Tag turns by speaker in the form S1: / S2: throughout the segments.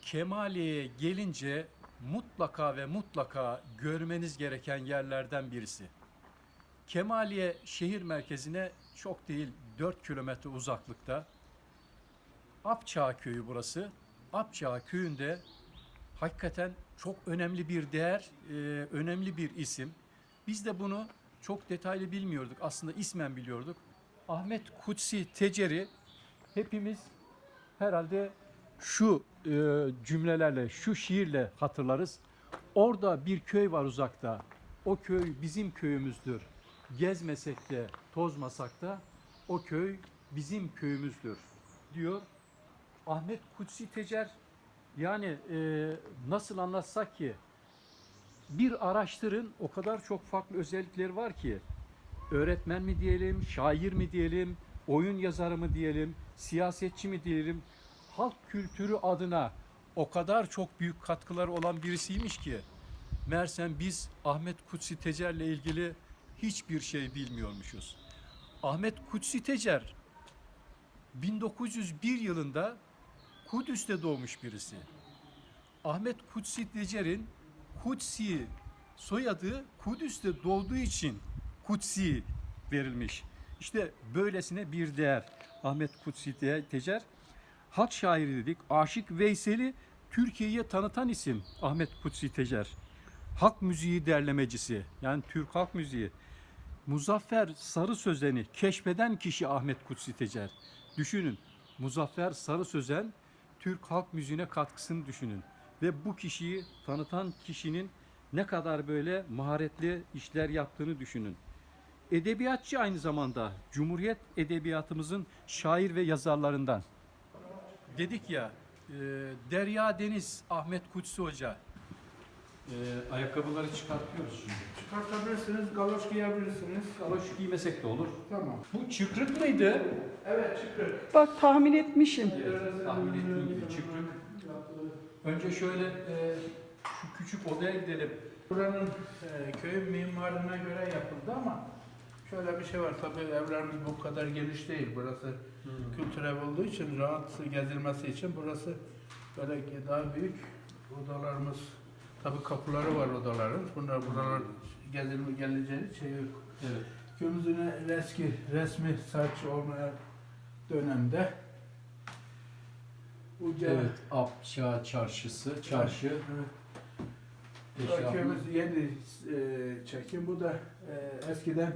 S1: Kemaliye'ye gelince mutlaka ve mutlaka görmeniz gereken yerlerden birisi. Kemaliye şehir merkezine çok değil 4 kilometre uzaklıkta. Apçağ köyü burası. Apçağ köyünde hakikaten çok önemli bir değer, önemli bir isim. Biz de bunu çok detaylı bilmiyorduk. Aslında ismen biliyorduk. Ahmet Kutsi Tecer'i hepimiz herhalde şu cümlelerle, şu şiirle hatırlarız. Orada bir köy var uzakta. O köy bizim köyümüzdür. Gezmesek de, tozmasak da o köy bizim köyümüzdür diyor. Ahmet Kutsi Tecer, yani nasıl anlatsak ki, bir araştırın, o kadar çok farklı özellikleri var ki, öğretmen mi diyelim, şair mi diyelim, oyun yazarı mı diyelim, siyasetçi mi diyelim, halk kültürü adına o kadar çok büyük katkıları olan birisiymiş ki, meğersem biz Ahmet Kutsi Tecer'le ilgili hiçbir şey bilmiyormuşuz. Ahmet Kutsi Tecer 1901 yılında Kudüs'te doğmuş birisi. Ahmet Kutsi Tecer'in Kutsi soyadı Kudüs'te doğduğu için Kutsi verilmiş. İşte böylesine bir değer. Ahmet Kutsi Tecer, halk şairi dedik. Aşık Veysel'i Türkiye'ye tanıtan isim Ahmet Kutsi Tecer. Halk müziği derlemecisi, yani Türk halk müziği. Muzaffer Sarı Sözen'i keşfeden kişi Ahmet Kutsi Tecer. Düşünün, Muzaffer Sarı Sözen Türk halk müziğine katkısını düşünün. Ve bu kişiyi tanıtan kişinin ne kadar böyle maharetli işler yaptığını düşünün. Edebiyatçı aynı zamanda, Cumhuriyet edebiyatımızın şair ve yazarlarından. Dedik ya, Derya Deniz Ahmet Kutsi Hoca. Ayakkabıları çıkartıyoruz şimdi.
S2: Çıkartabilirsiniz, galoş giyebilirsiniz.
S1: Galoş giymesek de olur.
S2: Tamam.
S1: Bu çıkrık mıydı?
S2: Evet, çıkır.
S3: Bak tahmin etmişim.
S1: Evet, tahmin ettiğim gibi çıkrık. Önce şöyle şu küçük odaya gidelim.
S2: Buranın köyün mimarına göre yapıldı ama şöyle bir şey var. Tabii evlerimiz bu kadar geniş değil. Burası kültür ev olduğu için, rahat gezilmesi için burası böyle daha büyük odalarımız. Tabii kapıları var odaların. Buralar geleceği şey yok.
S1: Evet.
S2: Köyümüzün eski resmi saç olmayan dönemde
S1: Evet, Apçağ Çarşısı, çarşı.
S2: Evet. Köyümüz yeni çekim. Bu da eskiden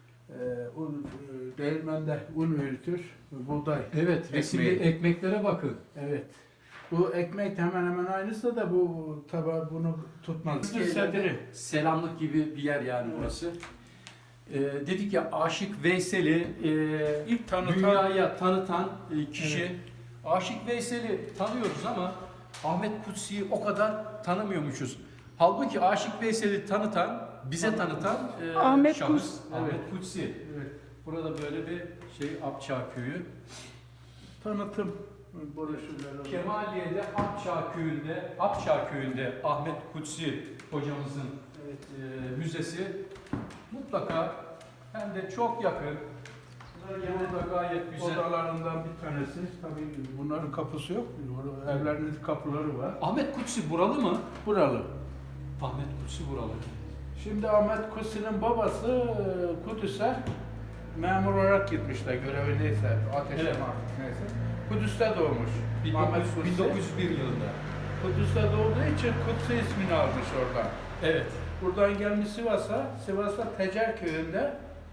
S2: değirmende un üretir, buğday.
S1: Evet, resimli ekmeklere bakın.
S2: Evet. Bu ekmek hemen hemen aynısı da bu tabi bunu tutmaz. Sedri.
S1: Selamlık gibi bir yer yani burası. Dedik ya, Aşık Veysel'i
S2: İlk tanıtan,
S1: dünyaya tanıtan kişi.
S2: Evet.
S1: Aşık Veysel'i tanıyoruz ama Ahmet Kutsi'yi o kadar tanımıyormuşuz. Halbuki Aşık Veysel'i tanıtan, bize tanıtan
S3: Ahmet
S1: şahıs
S3: Kutsi.
S1: Ahmet Kutsi.
S2: evet,
S1: Burada böyle bir Apçağ Köyü.
S2: tanıtım broşürleri.
S1: Kemaliye'de Apçağ Köyü'nde Ahmet Kutsi hocamızın müzesi mutlaka, hem de çok yakın. Burada gayet güzel.
S2: Odalarından bir tanesi. Tabii bunların kapısı yok. Evlerinin kapıları var.
S1: Ahmet Kutsi buralı mı?
S2: Buralı.
S1: Ahmet Kutsi buralı.
S2: Şimdi Ahmet Kutsi'nin babası Kudüs'e memur olarak gitmişler, görevi neyse, ateşe
S1: Evet.
S2: mi artık neyse. Kudüs'te doğmuş. Ahmet Kutsi.
S1: 1901 yılında.
S2: Kudüs'te doğduğu için Kutsi ismini almış oradan.
S1: Evet.
S2: Buradan gelmiş Sivas'ta Tecer köyünde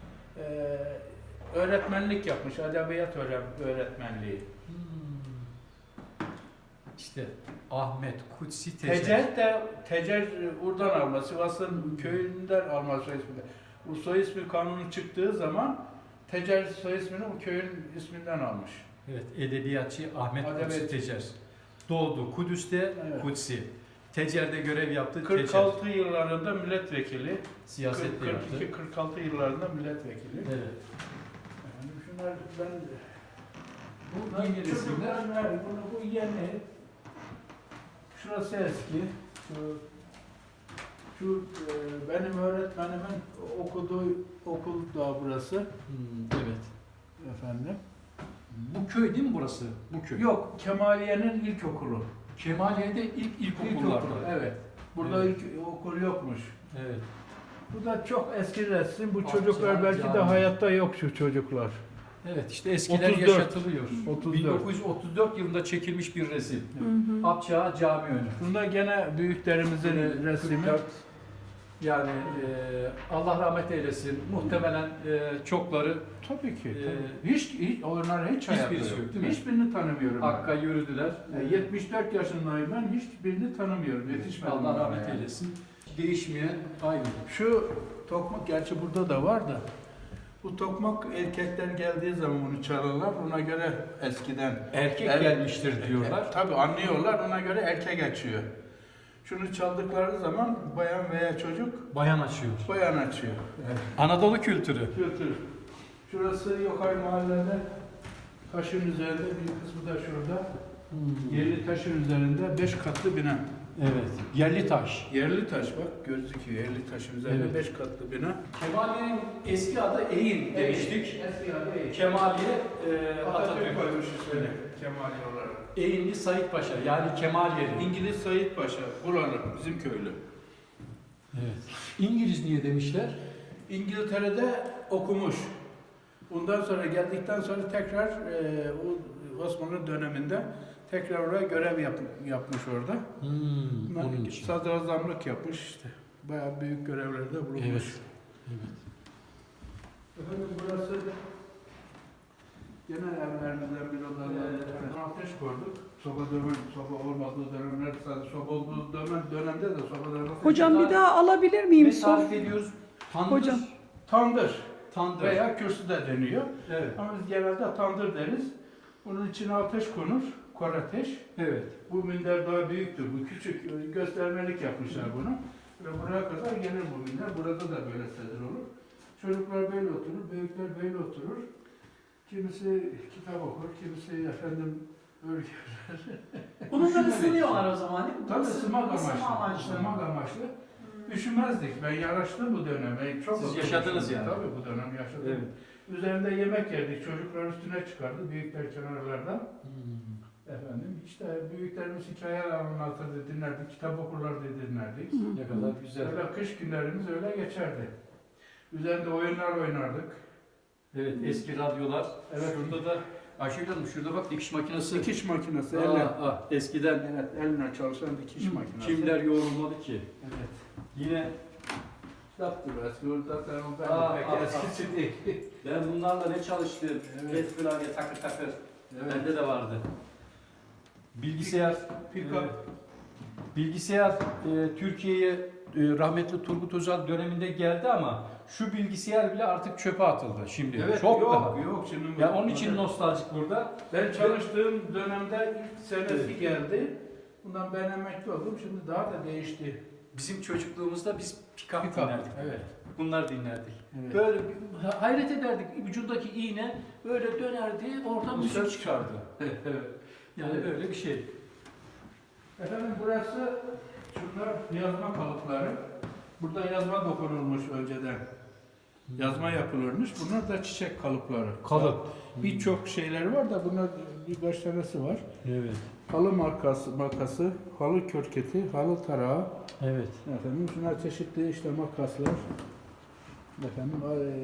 S2: öğretmenlik yapmış, edebiyat öğretmenliği.
S1: İşte Ahmet Kutsi Tecer.
S2: Tecer oradan alma, Sivas'ın köyünden alma soy ismini. Bu soy ismi kanunu çıktığı zaman Tecer soy ismini bu köyün isminden almış.
S1: Evet, edebiyatçı Ahmet Kutsi
S2: Edebiyatçı.
S1: Tecer. Doğdu Kudüs'te,
S2: Evet.
S1: Kutsi. Tecer'de görev yaptı.
S2: 46 yıllarında milletvekili.
S1: Siyaset de yaptı.
S2: 42-46 yıllarında milletvekili.
S1: Evet.
S2: Yani şunlar ben
S1: Bu yeni resimler.
S2: Bu yeni. Şurası eski. Şu benim öğretmenimin okuduğu okul da burası.
S1: Evet.
S2: Efendim.
S1: Bu köy değil mi burası? Bu köy.
S2: Yok, Kemaliye'nin ilkokulu.
S1: Kemaliye'de ilk ilkokullarda.
S2: Evet. Burada
S1: Evet.
S2: ilk okul yokmuş.
S1: Evet.
S2: Bu da çok eski resim. Bu
S1: Akça
S2: çocuklar belki de
S1: Cami.
S2: hayatta yok şu çocuklar.
S1: Evet, işte eskiler
S2: 34.
S1: yaşatılıyor.
S2: 34.
S1: 1934 yılında çekilmiş bir resim.
S3: Hı hı.
S1: Akçağı Cami önü.
S2: Bunda gene büyüklerimizin resmi.
S1: 44. Yani Allah rahmet eylesin. Muhtemelen çokları
S2: Tabii ki.
S1: Ee,
S2: Tabii. Hiç onları hiç hayatta
S1: hiçbirisi yok, değil mi?
S2: Hiçbirini tanımıyorum. ben.
S1: Hakk'a yürüdüler.
S2: 74 yaşındayım ben. Hiçbirini tanımıyorum. Yetişmedim.
S1: Allah
S2: bana
S1: rahmet
S2: yani.
S1: eylesin. Değişmeyen aynı.
S2: Şu tokmak gerçi burada da var da. Bu tokmak erkekler geldiği zaman bunu çalarlar. Ona göre eskiden
S1: Erkek
S2: Evet.
S1: gelmiştir diyorlar.
S2: Tabii anlıyorlar. Ona göre erkek açıyor. Şunu çaldıkları zaman bayan veya çocuk
S1: Bayan açıyor.
S2: bayan açıyor.
S1: Anadolu kültürü.
S2: Kültür. Şurası Yokay mahallede taşın üzerinde, bir kısmı da şurada. Yerli taşın üzerinde 5 katlı bina.
S1: Evet. Yerli taş.
S2: Yerli taş bak gözüküyor. Yerli taşın üzerinde
S1: Evet.
S2: 5 katlı bina.
S1: Kemaliye'nin eski adı Eğin demiştik.
S2: Eski adı Eğin.
S1: Kemaliye
S2: Atatürk koymuş ismini Kemali olarak.
S1: Eğinli Said Paşa yani Kemaliye'li.
S2: İngiliz Said Paşa, buranın, bizim köylü.
S1: Evet. İngiliz niye demişler?
S2: İngiltere'de okumuş. Bundan sonra geldikten sonra tekrar o Osmanlı döneminde tekrar oraya görev yapmış orada.
S1: Onun için.
S2: Sadrazamlık yapmış işte. Bayağı büyük görevlerde bulunmuş.
S1: Evet. Evet.
S2: Efendim burası gene evlerimizden bir odalardan ateş koyduk. Soba olmadığı dönemler, sadece soba olduğu dönemde de sobalarımız...
S3: Hocam bir daha alabilir miyim?
S1: Ne tarif ediyoruz? Tandır.
S3: Hocam.
S2: Tandır
S1: Tandır.
S2: veya kürsü de deniyor.
S1: Evet.
S2: Ama biz genelde tandır deriz. Bunun içine ateş konur, kor ateş.
S1: Evet.
S2: Bu minder daha büyüktür, bu küçük, göstermelik yapmışlar bunu. Ve buraya kadar gelir bu minder, burada da böyle sedir olur. Çocuklar böyle oturur, büyükler böyle oturur. Kimisi kitap okur, kimisi efendim örgü.
S4: Bununla ısınıyorlar o zaman değil mi?
S2: Tabii ısınmak
S4: Isınma
S2: amaçlı. Isınmak amaçlı. Üşümezdik. Ben yaraştım bu döneme. Çok
S1: Siz
S2: oturmuştum.
S1: yaşadınız yani.
S2: Tabii bu dönem yaşadım.
S1: Evet.
S2: Üzerinde yemek yerdik. Çocuklar üstüne çıkardı. Büyükler kenarlardan. Efendim işte büyüklerimiz hikayeler anlatırdı, dinlerdik. Kitap okurlardı, dinlerdik.
S1: Ne kadar güzel.
S2: Böyle kış günlerimiz öyle geçerdi. Üzerinde oyunlar oynardık.
S1: Evet. Eski radyolar.
S2: Evet.
S1: Şurada da Ayşegül Hanım şurada bak dikiş makinesi.
S2: Dikiş makinesi,
S1: Aa,
S2: elle.
S1: eskiden
S2: Evet, eline çalışan dikiş makinesi.
S1: kimler yoğrulmadı ki?
S2: Evet.
S1: Yine
S2: Yaptı eski orada sen
S1: Aa,
S2: ondan pek
S1: aa,
S2: eskisi değil.
S1: ben bunlarla ne çalıştım?
S2: Evet.
S1: Get klavye takır takır.
S2: Evet.
S1: Bende de vardı. Bilgisayar.
S2: Pick-up.
S1: Bilgisayar Türkiye'ye rahmetli Turgut Özal döneminde geldi ama şu bilgisayar bile artık çöpe atıldı şimdi.
S2: Evet,
S1: Çok
S2: yok,
S1: daha.
S2: yok şimdi.
S1: Ya onun için nostaljik burada.
S2: Ben çalıştığım dönemde ilk senesi geldi. Bundan ben emekli oldum. Şimdi daha da değişti.
S1: Bizim çocukluğumuzda biz pick-up
S2: Pick-up,
S1: dinlerdik.
S2: evet.
S1: Bunlar dinlerdik.
S2: Evet.
S1: Böyle hayret ederdik. Ucundaki iğne böyle dönerdi, oradan
S2: Müzik
S1: müzik çıkardı.
S2: Evet.
S1: Yani
S2: Evet.
S1: böyle bir şey.
S2: Efendim burası şunlar yazma kalıpları. Burada yazma dokunulmuş önceden. Yazma yapılırmış. Bunlar da çiçek kalıpları.
S1: Kalıp.
S2: Birçok şeyler var da bunlar birkaç tanesi var.
S1: Evet.
S2: Halı makası, halı körketi, halı tarağı.
S1: Evet.
S2: Efendim şunlar çeşitli işte makaslar. Efendim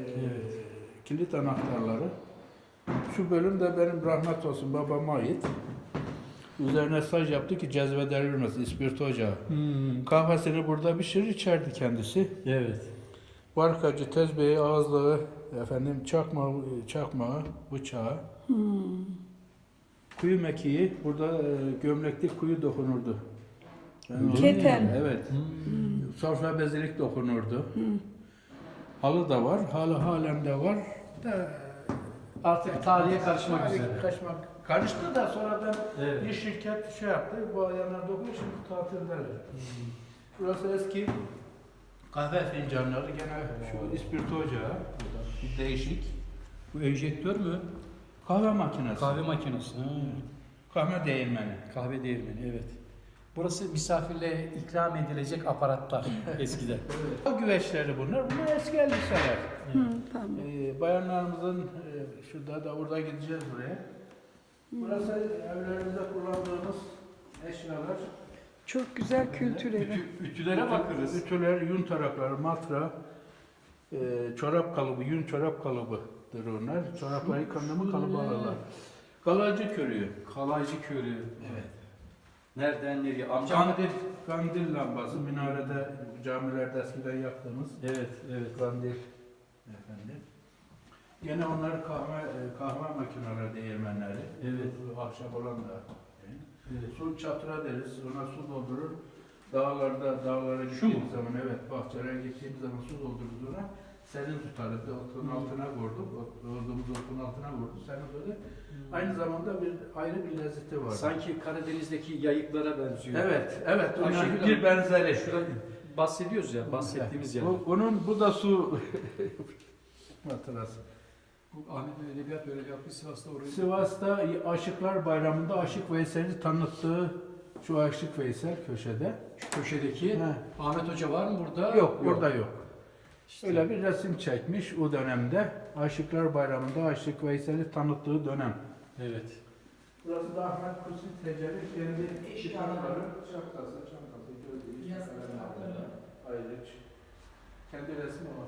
S2: kilit anahtarları. Şu bölüm de benim rahmet olsun babama ait. Üzerine staj yaptı ki cezbedilmez ispirto ocağı. Kahvesini burada pişirir içerdi kendisi.
S1: Evet.
S2: Barkacı, tezbehi, ağızlığı, efendim çakmağı, bıçağı. Kuyu mekiği, burada gömlekli kuyu dokunurdu. Yani
S3: Keten.
S2: Evet. Sofra bezilik dokunurdu. Halı da var, halı halen de var. Da,
S1: Artık tarihe karışmak
S2: tarihe
S1: üzere.
S2: Karıştı da sonradan
S1: Evet.
S2: bir şirket şey yaptı, bu ayarlar dokunuyor, şimdi tatildeler. Burası eski kahve fincanları, gene şu ispirto ocağı, burada bir değişik.
S1: Bu enjektör mü?
S2: Kahve makinesi.
S1: Kahve makinesi.
S2: Kahve değirmeni.
S1: Kahve değirmeni, evet. Burası misafirle ikram edilecek aparatlar eskiden.
S2: O güveçleri bunlar eski elbiseler.
S3: Tamam.
S2: Bayanlarımızın şurada da burada gideceğiz buraya. Burası evlerimizde kullandığımız eşyalar.
S3: Çok güzel kültür evi.
S1: Ütülere bakarız.
S2: Ütüler, yün tarakları, matra, çorap kalıbı, yün çorap kalıbıdır onlar. Çorapları yıkandı mı kalıbı alırlar. Galacı körüğü.
S1: Kalaycı körü.
S2: Evet.
S1: Nereden nereye? Amcam
S2: Kandil lambası, minarede, camilerde eskiden yaktığımız
S1: Evet, evet.
S2: kandil. Efendim. Yine onlar kahve makineleri, değirmenleri.
S1: Evet.
S2: Ahşap olan da.
S1: Evet.
S2: Su çatıra deriz, ona su doldurur. Dağlara
S1: Şu mu?
S2: gittiğimiz zaman, evet, bahçelere gittiğimiz zaman su doldururuz ona. Senin tutarız, otun altına vurduk, olduğumuz otun altına vurduk, senin böyle. Aynı zamanda ayrı bir lezzeti var.
S1: Sanki Karadeniz'deki yayıklara benziyor.
S2: Evet,
S1: Ayşegül
S2: onların
S1: Hanım,
S2: bir benzeri.
S1: Şurada bahsediyoruz ya, bahsettiğimiz yer.
S2: Bu da su hatırası.
S1: Bu Ahmet Bey Edebiyat öyle yaptı Sivas'ta orayı.
S2: Sivas'ta Aşıklar Bayramı'nda Aşık Veysel'i tanıttığı şu Aşık Veysel köşede.
S1: Şu köşedeki
S2: He.
S1: Ahmet Hoca var mı burada?
S2: Yok, burada yok.
S1: İşte.
S2: Öyle bir resim çekmiş o dönemde. Aşıklar Bayramı'nda Aşık Veysel'i tanıttığı dönem.
S1: Evet.
S2: Burası da Ahmet Kutsi Tecer'in kendi eşyaları, çantası, gördüğünüz kalemlerden ayrıç. Kendi resmi var.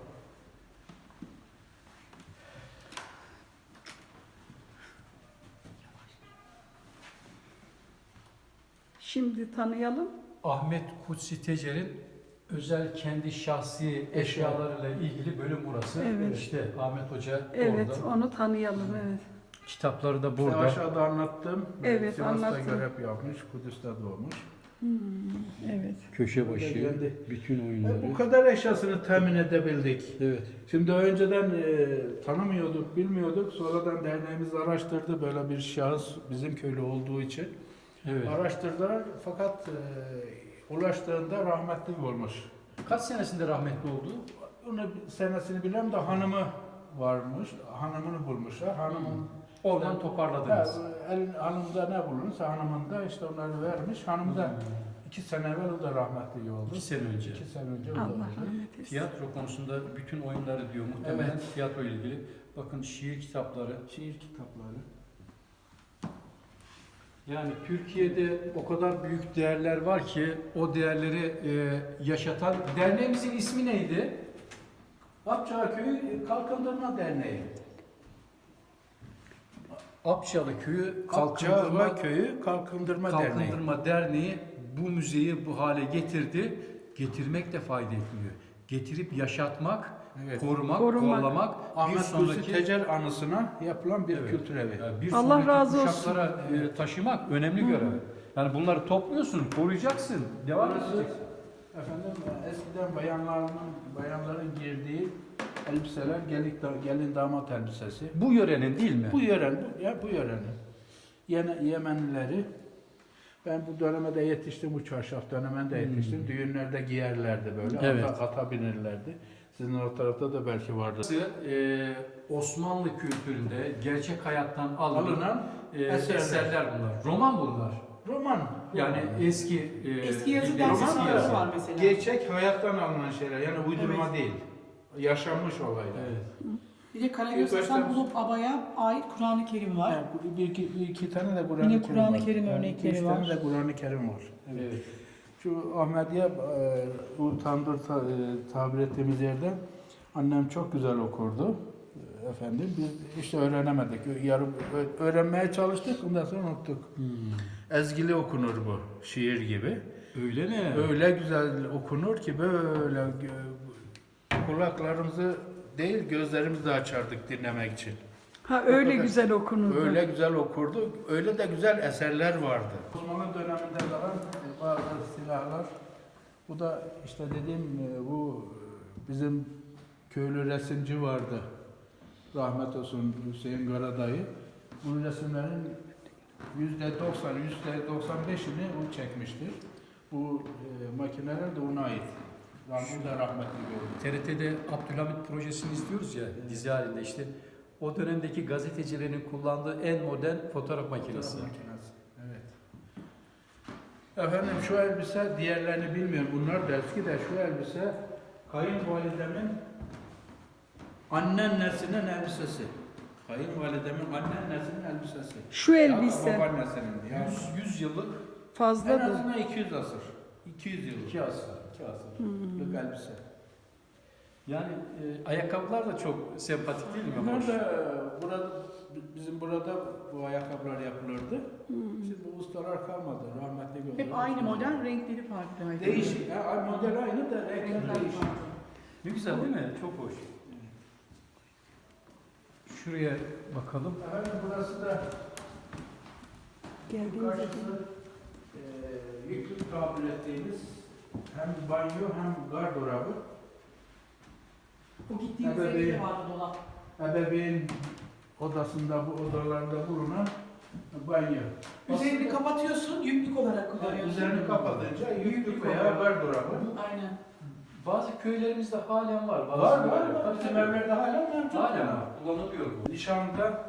S3: Şimdi tanıyalım.
S1: Ahmet Kutsi Tecer'in özel kendi şahsi eşyalarıyla ilgili bölüm burası.
S3: Evet.
S1: İşte Ahmet Hoca
S3: Evet,
S1: orada.
S3: onu tanıyalım. Evet.
S1: Kitapları da burada.
S2: Aşağıda anlattım.
S3: Evet,
S2: Sivas'ta
S3: anlattın.
S2: görev yapmış, Kudüs'te doğmuş.
S3: Evet.
S1: Köşe
S2: başı,
S1: başı, bütün
S2: Bu kadar eşyasını temin edebildik.
S1: Evet.
S2: Şimdi önceden tanımıyorduk, bilmiyorduk. Sonradan derneğimiz araştırdı böyle bir şahıs bizim köylü olduğu için.
S1: Evet.
S2: Araştırdılar fakat ulaştığında rahmetli olmuş.
S1: Kaç senesinde rahmetli oldu?
S2: Onu senesini bilmem de hanımı varmış. Hanımını bulmuşlar. Hanımın
S1: Oradan toparladınız.
S2: hanımda ne bulunursa hanımında işte onları vermiş. Hanım da 2 sene evvel o da rahmetli oldu.
S1: 2 sene önce.
S2: 2 sene önce o da
S3: Allah
S2: oldu.
S3: rahmet eylesin.
S1: Tiyatro konusunda bütün oyunları diyor muhtemelen
S2: Evet.
S1: tiyatro ile ilgili. Bakın şiir kitapları.
S2: Şiir kitapları.
S1: Yani Türkiye'de o kadar büyük değerler var ki o değerleri yaşatan derneğimizin ismi neydi?
S2: Apçağı Köyü Kalkındırma Derneği.
S1: Apçalı Köyü
S2: Apçağı Köyü Kalkındırma Derneği.
S1: Kalkındırma Derneği bu müzeyi bu hale getirdi. Getirmek de fayda etmiyor. Getirip yaşatmak,
S2: Evet.
S1: korumak,
S3: Korumak.
S1: kollamak bir
S2: Ahmet Kutsi
S1: sonraki
S2: Tecer anısına yapılan bir
S1: Evet.
S2: kültür evi.
S1: yani bir
S3: Allah
S1: sonraki
S3: razı olsun.
S1: kuşaklara taşımak önemli görev. Yani bunları topluyorsun, koruyacaksın, devam
S2: Burası,
S1: edeceksin.
S2: efendim eskiden bayanların giydiği elbiseler gelin damat elbisesi.
S1: Bu yörenin değil mi?
S2: Bu yörenin. Yemenlileri. Ben bu dönemde yetiştim, bu çarşaf döneminde yetiştim. Düğünlerde giyerlerdi böyle,
S1: Evet.
S2: ata binirlerdi. Sizin o tarafta da belki vardı.
S1: Burası, Osmanlı kültüründe gerçek hayattan alınan eserler bunlar. Roman bunlar.
S2: Roman.
S1: Yani eski
S4: Eski yazı
S1: bildiğimiz
S4: dersi
S1: eski
S4: sınavları
S1: yazı.
S4: var mesela.
S2: Gerçek hayattan alınan şeyler, yani uydurma değil. Yaşanmış olaylar.
S1: Evet.
S4: Bir de Karagöz Hasan Bulup Aba'ya ait Kur'an-ı Kerim var.
S2: Yani bir iki tane de Kur'an-ı
S4: Yine
S2: Kerim
S4: Kur'an-ı
S2: var.
S4: Kerim
S2: Yani
S4: örnekleri
S2: 3 tane
S4: var.
S2: de Kur'an-ı Kerim var. Evet.
S1: Evet.
S2: Şu Ahmediye, bu tandır tabir ettiğimiz yerde annem çok güzel okurdu. Efendim biz işte öğrenemedik. Yarım öğrenmeye çalıştık, ondan sonra unuttuk. Ezgili okunur bu, şiir gibi.
S1: Öyle mi?
S2: Öyle güzel okunur ki böyle kulaklarımızı değil gözlerimizi de açardık dinlemek için.
S3: Ha öyle
S2: kadar.
S3: güzel okunurdu.
S2: Öyle güzel okurdu, öyle de güzel eserler vardı. Osmanlı döneminde kalan bazı silahlar, bu da işte dediğim bu bizim köylü resimci vardı. Rahmet olsun Hüseyin Karadayı. Bu resimlerin %90-%95'ini o çekmiştir. Bu makineler de ona ait. Rahmet da rahmetli gördü.
S1: TRT'de Abdülhamit projesini izliyoruz ya dizi halinde işte. O dönemdeki gazetecilerin kullandığı en modern fotoğraf makinesi.
S2: Evet. Efendim şu elbise diğerlerini bilmiyorum. Bunlar da eski de şu elbise kayınvalidemin anneannesinin elbisesi. Kayınvalidemin anneannesinin elbisesi.
S3: Şu elbise.
S2: Ya, babaannesinin. Ya.
S1: 100 yıllık
S2: En
S3: Fazladır.
S2: azından 200 asır. 200 yıl.
S1: 2 asır. 2 asır.
S2: Elbise.
S1: Yani ayakkabılar da çok sempatik değil mi?
S2: Bunlar
S1: Hoş.
S2: da bizim burada bu ayakkabılar yapılırdı. Şimdi bu ustalar kalmadı. Rahmetli gördüm.
S4: Hep aynı model, renkleri farklı. Aynı.
S2: Değişik. Ha, model aynı da renkler
S4: Renkler
S2: değişik.
S4: farklı.
S1: Ne güzel değil mi? Çok hoş. Şuraya bakalım.
S2: Efendim burası da
S3: Geldiğiniz
S2: karşısı yüklük tabir ettiğimiz hem banyo hem gardırobı.
S4: Bu gittiğimiz
S2: Evet,
S4: evde
S2: evet.
S4: vardı dolap.
S2: Ebeveyn odasında, bu odalarda bulunan banyo.
S4: Üzerini kapatıyorsun, yüklük olarak
S2: Yani
S4: kullanıyorsun.
S2: üzerini kapatınca yüklük veya
S1: oluyor.
S2: gardırobı.
S4: Aynen.
S1: Bazı köylerimizde halen var. Bazı
S2: Var
S1: köyler-
S2: var. Bizim evlerde hala mevcut.
S1: Halen var. Kullanılıyor bu.
S2: Nişanda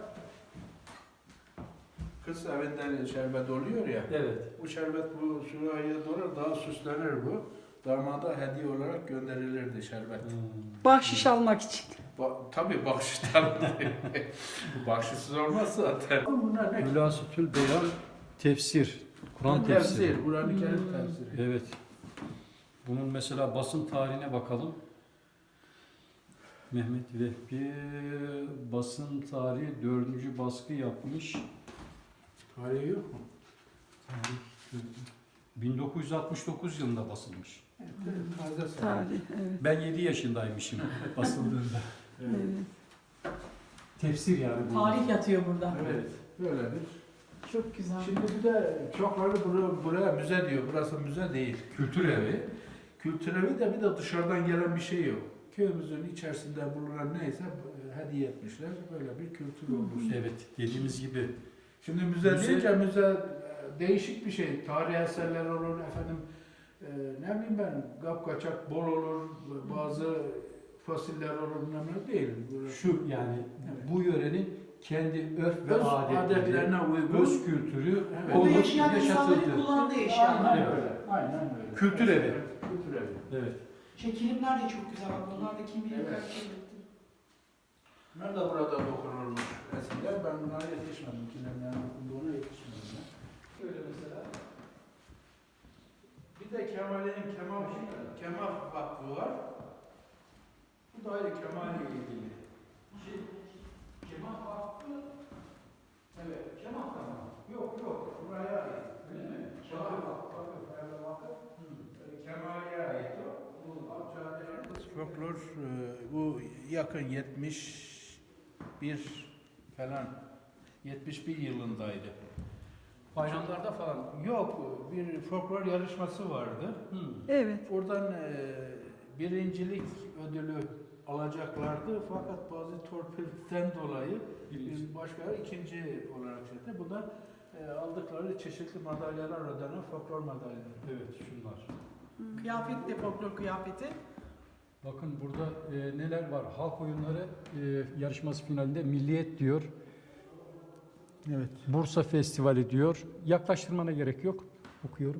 S2: kız evinden şerbet oluyor ya.
S1: Evet.
S2: Bu şerbet bu sürahıya doğru daha süslenir bu. Damada hediye olarak gönderilirdi şerbet.
S3: bahşiş almak için.
S2: Tabii bahşişten. Bahşişsiz olmaz zaten. Bunlar ne?
S1: Hülasütül Beyan tefsir. Kur'an tefsiri.
S2: Tefsir. Kur'an-ı Kerim tefsiri.
S1: Evet. Bunun mesela basın tarihine bakalım. Mehmet Vehbi basın tarihi 4. baskı yapmış.
S2: Tarihi yok mu?
S1: 1969 yılında basılmış.
S2: Taze sayı.
S3: Tarih. Evet.
S1: Ben 7 yaşındaymışım basıldığında.
S2: Evet.
S3: Evet.
S1: Tefsir yani bu.
S4: Tarih yatıyor burada.
S2: Evet. Böyledir.
S4: Çok güzel.
S2: Şimdi bir de çokları buraya müze diyor. Burası müze değil.
S1: Kültür evi.
S2: Kültür evi de bir de dışarıdan gelen bir şey yok. Köyümüzün içerisinde bulunan neyse hediye etmişler. Böyle bir kültür olmuş.
S1: Evet, dediğimiz gibi.
S2: Şimdi müze
S1: Müze-
S2: deyince müze değişik bir şey. Tarihi eserler olur efendim. Ne bileyim ben kapkaçak bol olur. Bazı fosiller olur bilmem ne değil. Böyle
S1: Şu yani
S2: Evet.
S1: bu yörenin kendi örf ve
S2: öz
S1: adetleri,
S2: adetlerine uygun.
S1: öz kültürü
S2: Evet.
S4: Burada
S1: olup
S4: yaşayan insanların
S1: yaşatıldı.
S4: kullandığı
S2: Aynen
S4: eşyalar.
S2: öyle. Aynen öyle.
S1: Kültür evi.
S2: Kültür evi.
S1: Evet.
S4: Kilimler de çok güzel. Bak bunlar da kim bilir
S2: Evet.
S4: kaç yıllıktı.
S2: Ben de burada dokunulmuş eskiden. Ben buna yetişmedim. Kilemlerin okunduğuna yetişmedim. Ben.
S1: Şöyle mesela.
S2: Bir de Kemal'in Kemal Vakfı var. Bu da ayrı Kemal'le ilgili.
S1: Kemal Vakfı.
S2: Evet, Kemal tamam. Yok, buraya ait.
S1: Öyle mi?
S2: Kemal Vakfı, Vakıf. Kemal'e ait o. Bu folklor bu yakın 71 falan 71 yılındaydı.
S1: Bayramlarda falan.
S2: Yok, bir folklor yarışması vardı.
S3: Evet.
S2: Oradan birincilik ödülü alacaklardı fakat bazı torpilden dolayı
S1: Birinci.
S2: başka ikinci olarak çıktı. Bu da aldıkları çeşitli madalyalar ödenen folklor madalyaları.
S1: Evet, şunlar.
S4: Kıyafet de folklor kıyafeti.
S1: Bakın burada neler var? Halk oyunları yarışması finalinde Milliyet diyor.
S2: Evet.
S1: Bursa Festivali diyor. Yaklaştırmana gerek yok. Okuyorum.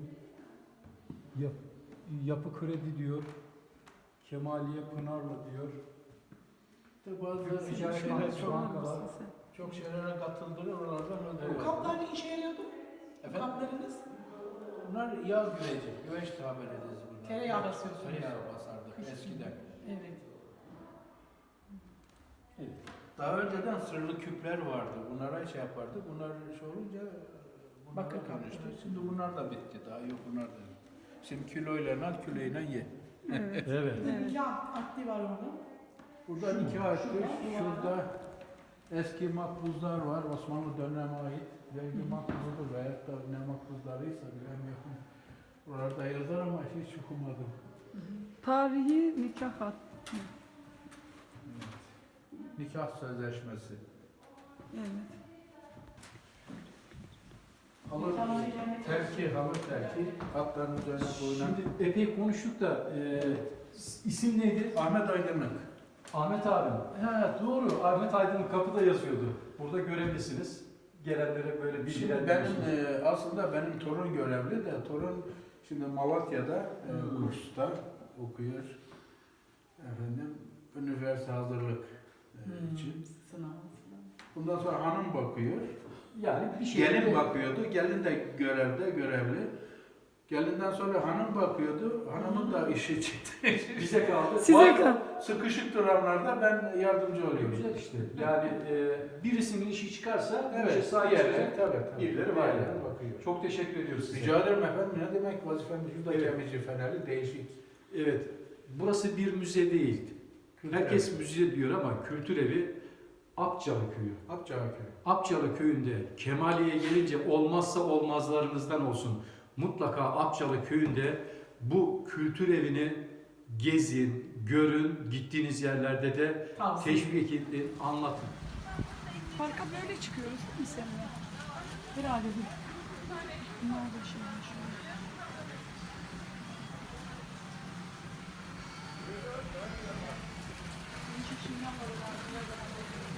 S1: Yapı Kredi diyor. Kemaliye Pınarlı diyor.
S2: Bazı
S1: Ticaret
S2: şeyler
S1: Bankası, bankalar.
S2: çok şeylere katıldılar oralardan
S4: Bu
S2: ödüyor.
S4: kaplar ne işe yarıyordu? Bu
S2: Efendim?
S4: kaplarınız?
S2: Bunlar yağ güveci, güveç tabir ederiz bunlar.
S4: Tereyağı basıyorsunuz.
S2: Tereyağı basardık
S4: Kışın.
S2: eskiden.
S4: Evet.
S2: Daha önceden sırlı küpler vardı. Bunlara şey yapardı. Bunlar şey olunca bunlara
S4: Bakır
S2: dönüştü.
S4: kaplar.
S2: Şimdi bunlar da bitti. Daha yok bunlar da. Şimdi kiloyla al, kiloyla ye.
S3: Evet.
S1: Evet.
S3: Evet.
S4: İki akli var orada.
S2: Burada iki açtı. Şurada eski makbuzlar var. Osmanlı dönemine ait. Belki makbuzudur veyahut da ne makbuzlarıysa bilemiyorum. Oralarda yazar ama hiç okumadım.
S3: Tarihi nikah hat.
S2: Nikah sözleşmesi.
S3: Evet.
S2: Halı terki, halı terki. Hatların üzerine koyulan.
S1: Şimdi epey konuştuk da isim neydi?
S2: Ahmet Aydınlık.
S1: Ahmet abim. Ha, doğru. Ahmet Aydın'ın kapıda yazıyordu. Burada görevlisiniz. Gelenlere böyle
S2: Şimdi
S1: bilgiler
S2: benim
S1: veriyorsunuz.
S2: aslında benim torun görevli de torun şimdi Malatya'da kursta okuyor. Efendim üniversite hazırlık için.
S4: Sınav.
S2: Bundan sonra hanım bakıyor.
S1: Yani bir şey.
S2: Gelin bakıyordu, gelin de görevli. Gelinden sonra hanım bakıyordu, hanımın da işi çıktı.
S1: Bize kaldı.
S3: Size
S1: Bazen
S3: kal.
S2: Sıkışık duranlarda ben yardımcı oluyorum.
S1: Güzel işte. Yani birisinin işi çıkarsa bu işe
S2: Evet,
S1: sahip
S2: diğerleri,
S1: çıkacak
S2: tabii.
S1: birileri var yani.
S2: Bakıyor.
S1: Çok teşekkür ediyoruz size.
S2: Rica ederim efendim, ne demek vazifemiz burada
S1: Evet.
S2: Gemici Feneri değişik.
S1: Evet. Burası bir müze değil.
S2: Kültür
S1: Herkes
S2: evi.
S1: müze diyor ama kültür evi Apçalı Köyü.
S2: Akçaköy.
S1: Apçalı Köyü'nde Kemaliye gelince olmazsa olmazlarınızdan olsun. Mutlaka Apçalı Köyü'nde bu kültür evini gezin, görün, gittiğiniz yerlerde de
S4: Tavsiye.
S1: teşvik edin, anlatın.
S4: Parka böyle çıkıyoruz değil mi seninle? Herhalde bir. Bunlar da şeyler şöyle. Değişik şeyler var.